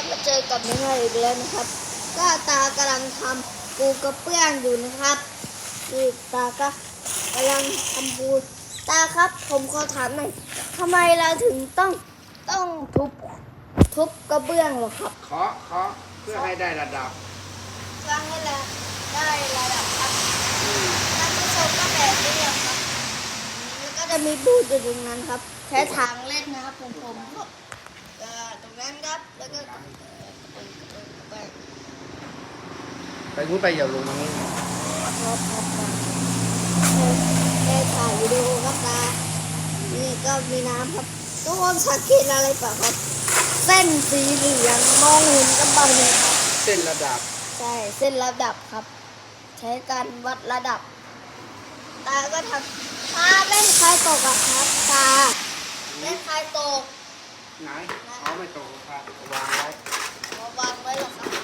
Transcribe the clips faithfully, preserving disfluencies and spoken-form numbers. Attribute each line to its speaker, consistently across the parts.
Speaker 1: มาเจอกับน้องอีกแล้วนะครับก็ตากำลังทำปูกระเปื้องอยู่นะครับนี่ตาก็กำลังทำปูตาครับผมขอถามหน่อยทำไมเราถึงต้องต้องทุบทุบกระเบื้องหรอครับ
Speaker 2: เคาะเคาะเพื่อให้ได้ระดับ
Speaker 1: เพื่อให้เราได้ระดับครับท่านผู้ชมก็แบบนี้ครับแล้วก็จะมีปูอยู่ตรงนั้นครับใช้ทางเล่นนะครับผมผมครับตรงนั้นครับแล้วก็
Speaker 2: ไปงูไปอย่าลงตรงนี้
Speaker 1: ครับครับได้ถ่ายวิดีโอครับตานี่ก็มีน้ำครับทุกคนสังเกตอะไรป่ะครับเส้นสีเหลืองมองเห็นกันบ้างไหมครับ
Speaker 2: เส้นระดับ
Speaker 1: ใช่เส้นระดับครับใช้การวัดระดับตาก็ทำตาเล่นคลายตกอะครับตาเล่นคลายตก
Speaker 2: ไหนเขาไม่ตกครับวางไว้
Speaker 1: วางไว้หรอครับ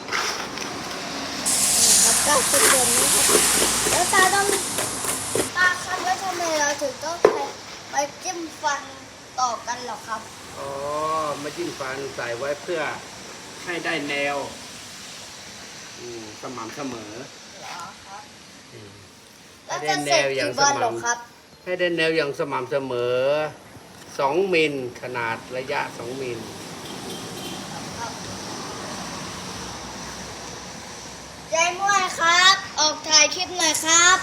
Speaker 1: ก็เป็นแบบนี้ครับแล้วตาต้องตาครับแล้วทำไมเราถึงต้องไปจิ้มฟันต่อกันหรอครับ
Speaker 2: อ๋อมาจิ้มฟันใส่ไว้เพื่อให้ได้แนวสม่ำเสมอ
Speaker 1: เหรอครับแล้วจะเสร็จกี่วันหรอครับ
Speaker 2: ให้ได้แนวอย่างสม่ำเสมอสองมิลขนาดระยะสองมิล
Speaker 1: ยายม่วยครับออกถ่ายคลิปหน่อยครับ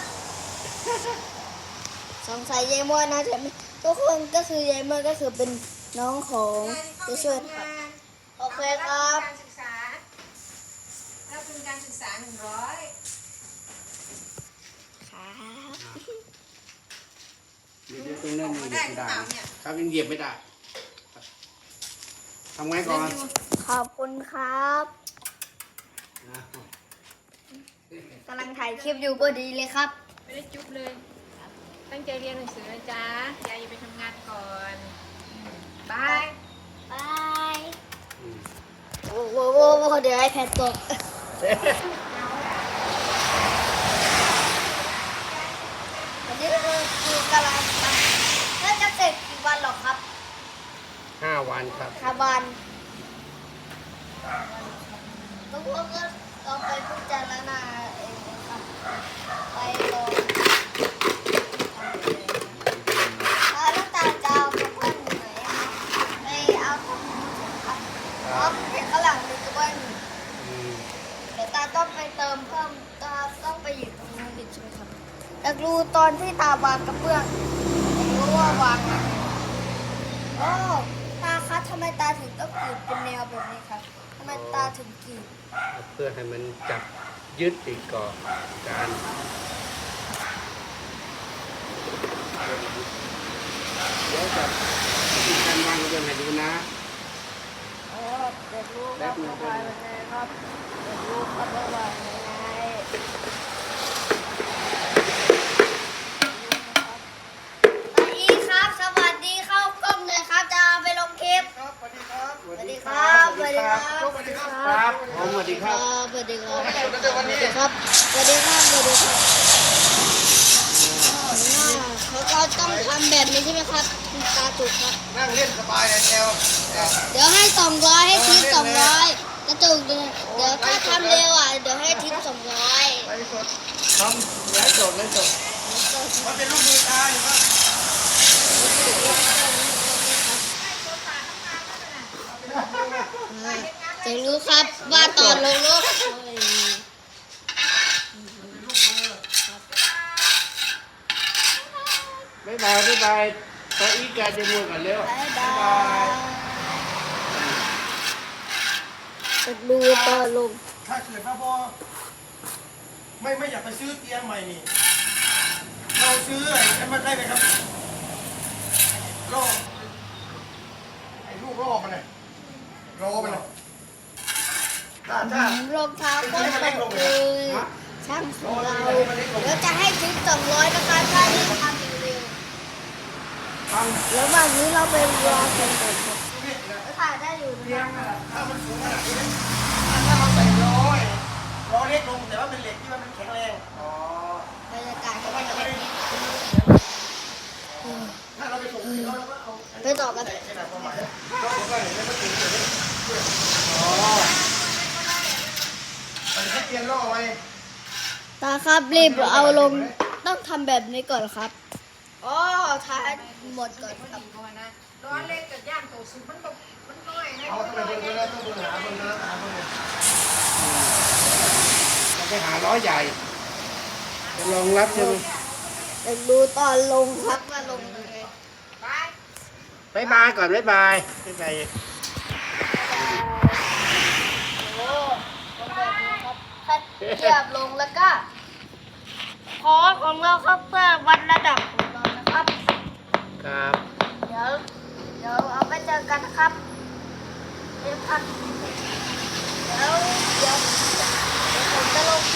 Speaker 1: สงสัยยายม่วยนะแต่ทุกคนก็คือยายม่วยก็คือเป็นน้องของจะช่วยครับโอเคครับ
Speaker 3: การศึกษาแล้วเป็นการศึกษาหนึ่งร้อย
Speaker 1: ครับ
Speaker 2: เดี๋ยวตรงนั้นยังเหยียบไม่ได้ครับยังเหยียบไม่ได้ทำไงก่อน
Speaker 1: ขอบคุณครับกำลังถ่ายคลิปอยู่พอดีเลยครับ
Speaker 3: ไม่ได้จุ๊บเลยตั้งใจเรียนหนังสือนะจ๊ะยายไปทำงานก่อนบาย
Speaker 1: บายโอ้โหเดี๋ยวไอแพดตกวันนี้คือคือกำลังแล้วจะเสร็จกี่วันหรอครับ
Speaker 2: ห้าวันครับ
Speaker 1: ห้าวันทุกคนก็ต้องไปพิจารณาเองนะครับไปลองแล้วตาจะเอากระเบื้องไหนไปเอาของครับเพราะเป็นข้างหลังเป็นกระเบื้องเดี๋ยวตาต้องไปเติมเพิ่มตาต้องไปอยู่ตรงนั้นอีกใช่ไหมครับอยากรู้ตอนที่ตาวางกระเบื้องอยากรู้ว่าวางโอ้ตาคะทำไมตาถึงต้องกรีดเป็นแนวแบบนี้ครับทำไมตาถึงกรีด
Speaker 2: เพื่อให้มันจับยึดอีกก่อนการเดี๋ยวจะมีการวางกระเบื้องให้ดูนะ
Speaker 1: อ๋อเด็กรู้ครับระบายยังไงครับเด็กรู้ครับระบายยังไงป้าอีครับสวัสดีเข้ากล้องเลยครับจะไปลงคลิป
Speaker 2: ครับสวัสดีครับ
Speaker 1: สวัสดีครับสวัสดีครับ
Speaker 2: สวัสดีครับผมสวัสดีครับ
Speaker 1: สวัสดีครับสวัสดีครับสวัสดีครับสวัสดีครับเขาก็ต้องทำแบบนี้ใช่ไหมครับตาจุกครับ
Speaker 2: นั่งเล่นสบายแนว
Speaker 1: เดี๋ยวให้สองร้อยให้ทิปสองร้อยกระจุกเดี๋ยวถ้าทำเร็วอ่ะเดี๋ยวให้ทิปสองร้อย
Speaker 2: ไลฟ์สดทำไลฟ์สดไลฟ์สดมันเป็นลูกมือตาอยู่ครับ
Speaker 1: จะรู้ครับว่าตอนลงรถ
Speaker 2: บ๊ายบายบ๊ายบายตาอีกาจะมัวกันเร็ว
Speaker 1: บ๊ายบายจะดูตอนลง
Speaker 4: ถ้าเกิดว่าพ่อไม่ไม่อยากไปซื้อเตียงใหม่นี่เราซื้อไอ้มันได้ไหมครับล่อไอ้ลูกล่อมันเลยรอมันเลยถ้าถ้
Speaker 1: ารองเท้าก็ตกเลยช่างของเราแล้วจะให้ทิปสองร้อยนะคะถ้าที่ทำเร็วแล้ววันนี้เราไปรอกันก่อนครับถ่ายได้อยู่นะ
Speaker 4: ถ้ามันสูงขนาดนี้ถ้าเราใส่ล้อล้อเล็กลงแต่ว่าเป็นเหล็กที่มันแข็งแรงอ๋อบ
Speaker 1: รรยากาศก็เป็นแบบนี้
Speaker 4: ถ้าเราไปส่งเราก็เอา
Speaker 1: ไปต่อกัน
Speaker 4: ขนาดประมาณนี้ก็เห็นแล้วก็ถึงจะได้อ๋อ
Speaker 1: ตาครับรีบเอาลงต้องทำแบบนี้ก่อนครับอ๋อท้ายหมดก่อนครับ
Speaker 3: ก่อนนะร้อนเล็กกับย่างโตสุดมันแบบมันน้อยนะ
Speaker 4: เอาทำไมเพิ่งแล้วต้องเพิ่งหาเพิ่งแล้วหาเพิ่งเลย
Speaker 2: เราไปหาล้อใหญ่จะรองรับใช่ไหม
Speaker 1: อยากดูตอนลงครับว่าลงยังไง
Speaker 3: ไป
Speaker 2: บายบายก่อนบายบายบายบาย
Speaker 1: โอ้ลงแบบนี้ครับถ้าเหยียบลงแล้วก็พอของเราครับเพื่อวัดระดับของเรานะครับ
Speaker 2: ครับ
Speaker 1: เดี๋ยวเดี๋ยวเอาไปเจอกันนะครับเดี๋ยวพักเดี๋ยวเดี๋ยวเดี๋ยวผมจะลง